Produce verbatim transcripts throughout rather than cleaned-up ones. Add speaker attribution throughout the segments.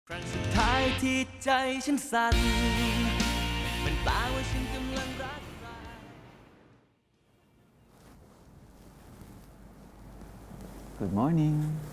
Speaker 1: ครั้งสุดท้ายที่ใจฉันสั่นเป็นตาว่าฉันกำลังรักใคร
Speaker 2: Good morning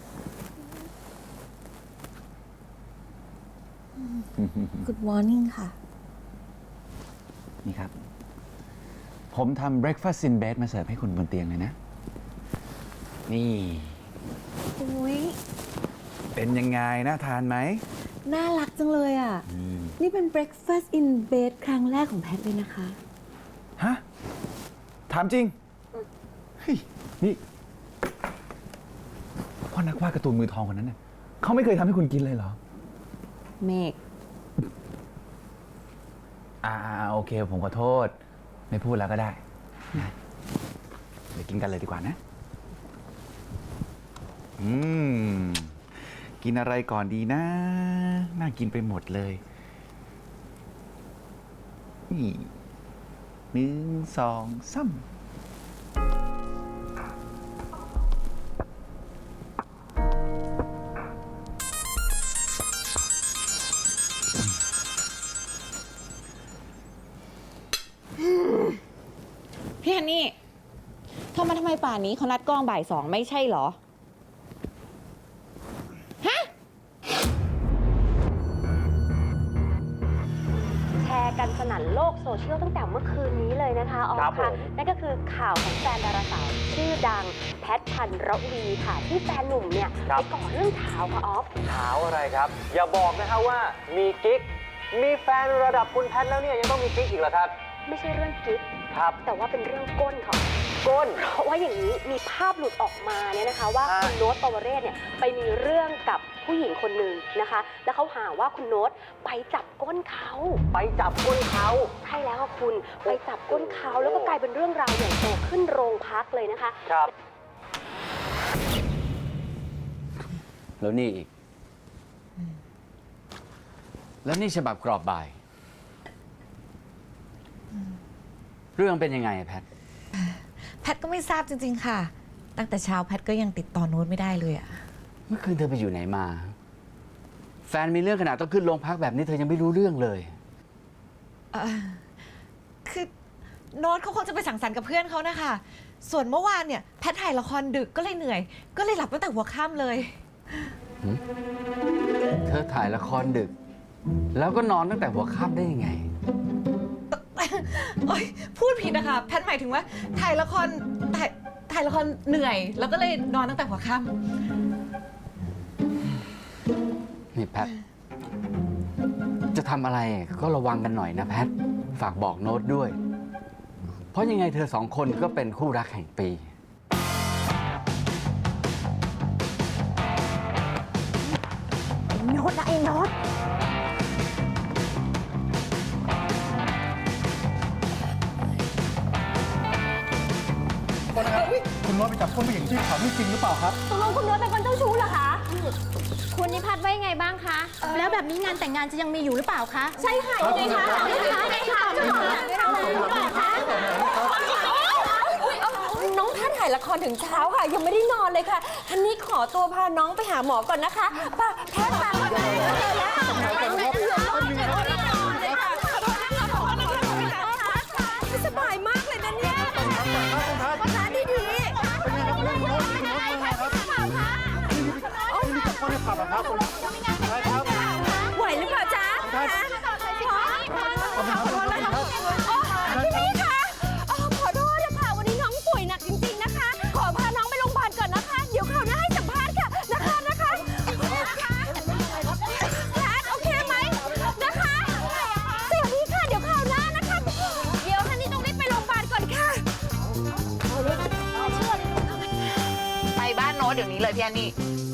Speaker 3: กูดมอร์นิ่งค่ะ
Speaker 2: นี่ครับ ผมทำ breakfast in bed มาเสิร์ฟให้คุณบนเตียงเลยนะ นี่
Speaker 3: อุ้ย
Speaker 2: เป็นยังไงน่าทานไหม
Speaker 3: น่ารักจังเลยอ่ะ นี่เป็น breakfast in bed ครั้งแรกของแพทเลยนะคะ
Speaker 2: ฮะ ถามจริง เฮ้ย นี่พ่อนักวาดการ์ตูนมือทองคนนั้นเนี่ยเขาไม่เคยทำให้คุณกินเลยเหรอ
Speaker 3: เมก
Speaker 2: อ่าโอเค ผมขอโทษ ไม่พูดแล้วก็ได้นะเดี๋ยวกินกันเลยดีกว่านะ อืม กินอะไรก่อนดีนะ น่ากินไปหมดเลย นี่หนึ่งสองสาม
Speaker 4: พี่ฮันนี่โทรมาทำไมป่านนี้เขานัดกล้องบ่ายสองไม่ใช่เหรอ ฮะ
Speaker 5: แชร์กันสนั่นโลกโซเชียลตั้งแต่เมื่อคืนนี้เลยนะคะออฟค่ะนั่นก็คือข่าวของแฟนดาราสาวชื่อดังแพทพันรวีค่ะที่แฟนหนุ่มเนี่ยไปก่อเรื่องเช้าค่ะออฟ
Speaker 6: เช้าอะไรครับ อย่าบอกนะฮะว่ามีกิ๊กมีแฟนระดับคุณแพทแล้วเนี่ยยังต้องมีกิ๊กอีกเหรอครับ
Speaker 5: ไม่ใช่เรื่องกิ๊ก
Speaker 6: ครับ
Speaker 5: แต่ว่าเป็นเรื่องก้นค่ะ
Speaker 6: ก้น
Speaker 5: เพราะว่าอย่างนี้มีภาพหลุดออกมาเนี่ยนะคะ ว่า
Speaker 6: อ่า
Speaker 5: คุณโน้ตปวเรศเนี่ยไปมีเรื่องกับผู้หญิงคนหนึ่งนะคะ แล้วเขาหาว่าคุณโน้ตไปจับก้นเขา
Speaker 6: ไปจับก้นเขา
Speaker 5: ใช่แล้วค่ะคุณไปจับก้นเขาแล้วก็กลายเป็นเรื่องราวใหญ่โตขึ้นโรงพักเลยนะคะ
Speaker 6: ครับ
Speaker 7: แล้วนี่อีก แล้วนี่ฉบับกรอบบ่าย เรื่องเป็นยังไงอะแพท
Speaker 3: แพทก็ไม่ทราบจริง ๆ ค่ะ ตั้งแต่เช้าแพทก็ยังติดต่อโน้ตไม่ได้เลยอ่ะ
Speaker 7: เมื่อคืนเธอไปอยู่ไหนมา แฟนมีเรื่องขนาดต้องขึ้นโรงพักแบบนี้เธอยังไม่รู้เรื่องเลย
Speaker 3: เอ่อคือโน้ตเขาคงจะไปสังสรรค์กับเพื่อนเขานะคะ ส่วนเมื่อวานเนี่ยแพทถ่ายละครดึกก็เลยเหนื่อย ก็เลยหลับตั้งแต่หัวค่ำเลย
Speaker 7: เธอถ่ายละครดึก แล้วก็นอนตั้งแต่หัวค่ำได้ยังไง
Speaker 3: โอ๊ยพูดผิดนะคะ แพทหมายถึงว่าถ่ายละครถ่ายถ่ายละครเหนื่อย แล้วก็เลยนอนตั้งแต่หัวค่ำ
Speaker 7: นี่แพท จะทำอะไรก็ระวังกันหน่อยนะแพท ฝากบอกโน้ตด้วย เพราะยังไงเธอสองคนก็เป็นคู่รักแห่งปี
Speaker 5: โน้ตนะไอ้โน้ต
Speaker 8: คุณโน้ตไปจับก้นผู้หญิงที่เขาไม่จริงหรือเปล่าครับ
Speaker 5: ตกลงคุณโน้ตเป็นคนเจ้าชู้เหรอคะ
Speaker 9: คุณนิพัฒน์ว่ายังไงบ้างคะ แล้วแบบนี้งานแต่งงานจะยังมีอยู่หรือเปล่าคะ
Speaker 5: ใช่ค่ะยังไงคะยังไงคะยังไงคะจะบอกนะคะน้องแพทย์ถ่ายละครถึงเช้าค่ะ ยังไม่ได้นอนเลยค่ะทันนี้ขอตัวพาน้องไปหาหมอก่อนนะคะป้าแพทย์มาไม่สบายมากเลยนะเนี่ยประธานดีดีไหวหรือเปล่าจ๊ะขอโทษนะคะพี่นี่คะขอโทษนะคะวันนี้น้องป่วยหนักจริงๆนะคะ ขอพาน้องไปโรงพยาบาลก่อนนะคะ เดี๋ยวคราวหน้าให้สัมภาษณ์ค่ะนะคะนะคะแพทโอเคไหมนะคะสวัสดีค่ะเดี๋ยวคราวหน้านะคะ เดี๋ยวฮันนี่ต้องรีบไปโรงพยาบาลก่อนค่ะ
Speaker 4: ไปบ้านโน้ตเดี๋ยวนี้เลยพี่ฮันนี่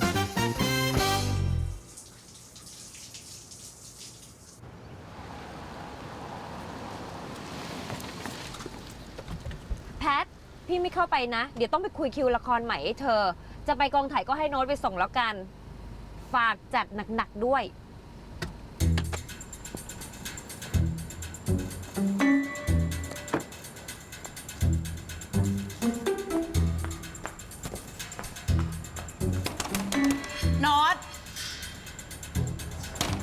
Speaker 5: แพท พี่ไม่เข้าไปนะ เดี๋ยวต้องไปคุยคิวละครใหม่ให้เธอ จะไปกองถ่ายก็ให้โน้ตไปส่งแล้วกัน ฝากจัดหนักๆด้วย
Speaker 4: โน้ต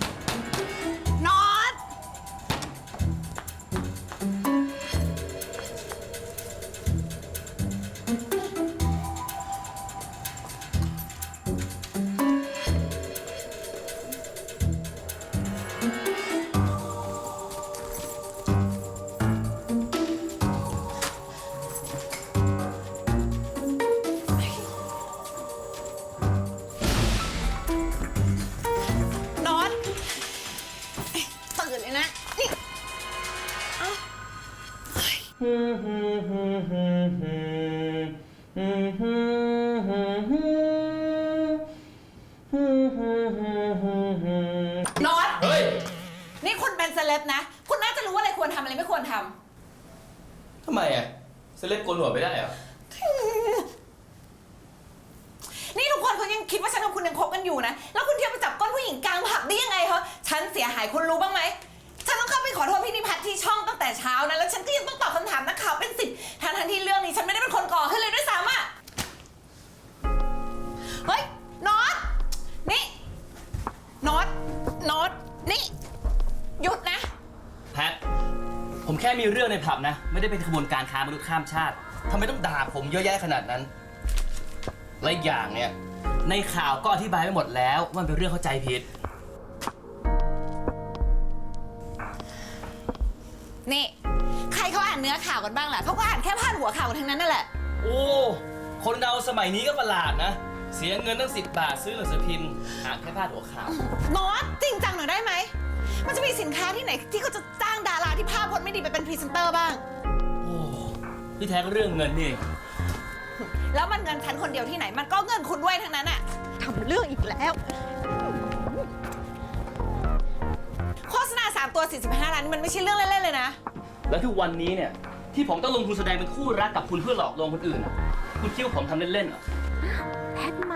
Speaker 3: น็อต
Speaker 1: เฮ้ย
Speaker 3: นี่คุณเป็นเซเลบนะ คุณน่าจะรู้ว่าอะไรควรทำอะไรไม่ควรทำ
Speaker 1: ทำไมอ่ะเซเลบโกนหัวไม่ได้เหรอ
Speaker 3: นี่ทุกคนเขายังคิดว่าฉันกับคุณยังคบกันอยู่นะ แล้วคุณเที่ยวไปจับก้นผู้หญิงกลางผับได้ยังไงเหรอฉันเสียหายคุณรู้บ้างไหม ฉันต้องเข้าไปขอโทษพี่นิพัฒน์ที่ช่องตั้งแต่เช้านะ แล้วฉันก็ยังต้องตอบคำถามนักข่าวเป็นสิบทั้งทันที่เรื่องนี้ฉันไม่ได้เป็นคนก่อขึ้นเลยด้วยซ้ำอ่ะ เฮ้ยน็อตนี่น็อตน็อตนี่หยุดนะ
Speaker 1: แพท ผมแค่มีเรื่องในผับนะ ไม่ได้เป็นขบวนการค้ามนุษย์ข้ามชาติทำไมต้องด่าผมเยอะแยะขนาดนั้น และอีกอย่างเนี่ย ในข่าวก็อธิบายไปหมดแล้วว่ามันเป็นเรื่องเข้าใจผิด
Speaker 3: นี่ใครเขาอ่านเนื้อข่าวกันบ้างล่ะเขาก็อ่านแค่พาดหัวข่าวกันทั้งนั้นนั่นแหละ
Speaker 1: โอ้ คนเราสมัยนี้ก็ประหลาดนะ เสียเงินตั้งสิบบาทซื้อหนังสือพิมพ์อ่านแค่พาดหัวข่าว
Speaker 3: น็อตจริงจังหน่อยได้ไหม มันจะมีสินค้าที่ไหนที่เขาจะจ้างดาราที่ภาพพจน์ไม่ดีไปเป็นพรีเซนเตอร์บ้าง
Speaker 1: โอ้ที่แท้ก็เรื่องเงินนี่เอง
Speaker 3: แล้วมันเงินฉันคนเดียวที่ไหน มันก็เงินคุณด้วยทั้งนั้นอะทำเรื่องอีกแล้ว โฆษณาสามตัวสี่สิบห้าล้านนี่มันไม่ใช่เรื่องเล่นๆเลยนะ
Speaker 1: แล้วทุกวันนี้เนี่ยที่ผมต้องลงทุนแสดงเป็นคู่รักกับคุณเพื่อหลอกลวงคนอื่นอะคุณคิดว่าผมทำเล่นๆเหรอ
Speaker 9: แพทมา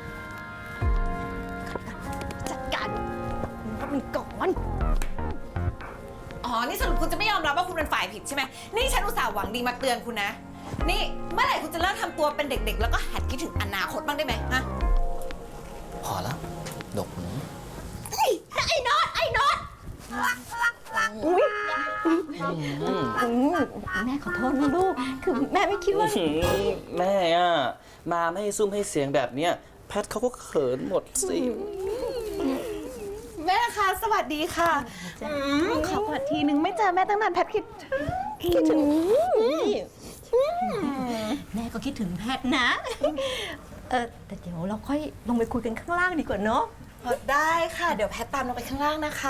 Speaker 3: จัดการมันมีก่อน อ๋อ นี่สรุปคุณจะไม่ยอมรับว่าคุณเป็นฝ่ายผิดใช่ไหม นี่ฉันอุตส่าห์หวังดีมาเตือนคุณนะ นี่เมื่อไหร่คุณจะเลิกทำตัวเป็นเด็กๆ แล้วก็หัดคิดถึงอนาคตบ้างได้ไหมฮะ
Speaker 1: พอแล้ว ดกหู
Speaker 9: ไอ้น็อตไอ้น็อต
Speaker 5: แม่ขอโทษนะลูก คือแม่ไม่คิดว่า
Speaker 1: แม่อะมาไม่ให้ซุ่มให้เสียงแบบเนี้ยแพทเขาก็เขินหมดสิ
Speaker 3: แม่คะสวัสดีค่ะอืมขอกอดทีนึงไม่เจอแม่ตั้งนานแพทคิดคิดถึง
Speaker 9: แม่ก็คิดถึงแพทนะ เออแต่เดี๋ยวเราค่อยลงไปคุยกันข้างล่างดีกว่าเนาะ
Speaker 3: ได้ค่ะ เดี๋ยวแพทตามลงไปข้างล่างนะคะ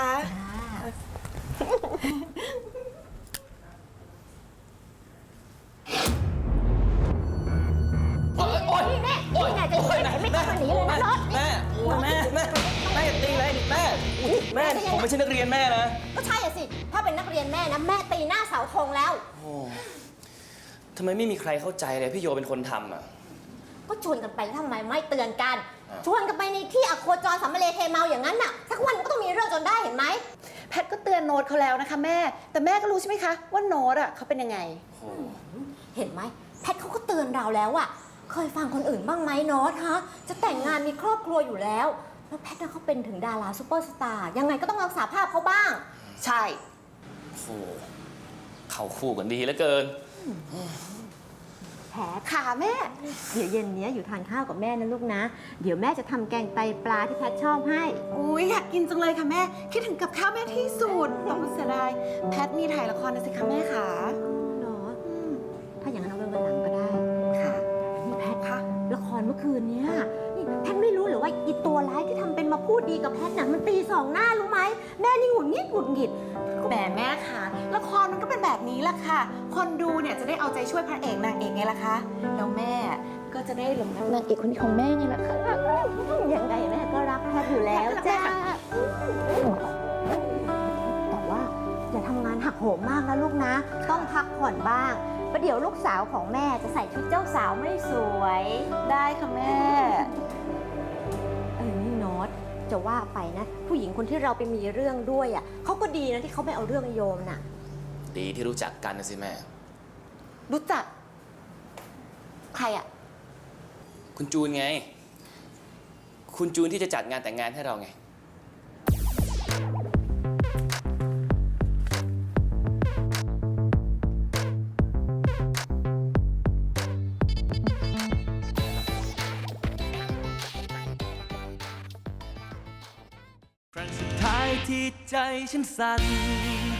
Speaker 1: โอ๊ยโอ๊ย
Speaker 9: แม่นี่ไงจะอยู่ไหนไม่ต้องมาหนีเลยนะน็อต
Speaker 1: แม่โอ๊ยแม่แม่แม่อย่าตีเลยแม่แม่ผมไม่ใช่นักเรียนแม่นะ
Speaker 9: ก็ใช่อะสิ ถ้าเป็นนักเรียนแม่นะ แม่ตีหน้าเสาธงแล้ว
Speaker 1: โอ้ทำไมไม่มีใครเข้าใจเลยพี่โยเป็นคนทำอ่ะ
Speaker 9: ก็ชวนกันไปแล้วทำไมไม่เตือนกัน ชวนกันไปในที่อโคจรสัมมะเลเทเมาอย่างนั้นน่ะ สักวันก็ต้องมีเรื่องจนได้เห็นไหม
Speaker 3: แพทก็เตือนโน้ตเขาแล้วนะคะแม่ แต่แม่ก็รู้ใช่ไหมคะว่าโน้ตอ่ะเขาเป็นยังไง
Speaker 9: เห็นไหมแพทเขาก็เตือนเราแล้วอะเคยฟังคนอื่นบ้างไหมโน้ตฮะ จะแต่งงานมีครอบครัวอยู่แล้ว แล้วแพทน่ะเขาเป็นถึงดาราซูเปอร์สตาร์ยังไงก็ต้องรักษาภาพเขาบ้าง
Speaker 3: ใช่
Speaker 1: โอ้โหเข้าคู่กันดีเหลือเกิน
Speaker 9: แผลขาแม่ เดี๋ยวเย็นนี้อยู่ทานข้าวกับแม่นะลูกนะ เดี๋ยวแม่จะทำแกงไตปลาที่แพทชอบให้
Speaker 3: อุ้ยอยากกินจังเลยค่ะแม่ คิดถึงกับข้าวแม่ที่สุดต้องเสียดายแพทมีถ่ายละครนะสิคะแม่ขา
Speaker 9: เหรอถ้าอย่างนั้นเอาไว้วันหลังก็ได้
Speaker 3: ค่ะ
Speaker 9: นี่แพทค่ะละครเมื่อคืนเนี้ยนี่แพทไม่รู้หรือว่าอีตัวร้ายที่ทำเป็นมาพูดดีกับแพทน่ะมันตีสองหน้ารู้ไหมแม่นี่หงุดหงิดหงุดหงิด
Speaker 3: แหมแม่ค่ะละครมันก็เป็นแบบนี้แหละค่ะ คนดูเนี่ยจะได้เอาใจช่วยพระเอกนางเอกไงล่ะคะแล้วแม่ก็จะได้หลงรักนางเอกคนนี้ของแม่ไงล่ะคะ
Speaker 9: ยังไงแม่ก็รักแพทอยู่แล้วจ้าแต่ว่าอย่าทำงานหักโหมมากนะลูกนะ ต้องพักผ่อนบ้างประเดี๋ยวลูกสาวของแม่จะใส่ชุดเจ้าสาวไม่สวย
Speaker 3: ได้ค่ะแม่
Speaker 9: เออนี่โน้ตจะว่าไปนะ ผู้หญิงคนที่เราไปมีเรื่องด้วยอ่ะเขาก็ดีนะที่เขาไม่เอาเรื่องโยมน่ะ
Speaker 1: ดีที่รู้จักกันนะสิแม่
Speaker 3: รู้จักใครอ่ะ
Speaker 1: คุณจูนไง คุณจูนที่จะจัดงานแต่งงานให้เราไง ครั้งสุดท้ายที่ใจฉันสั่น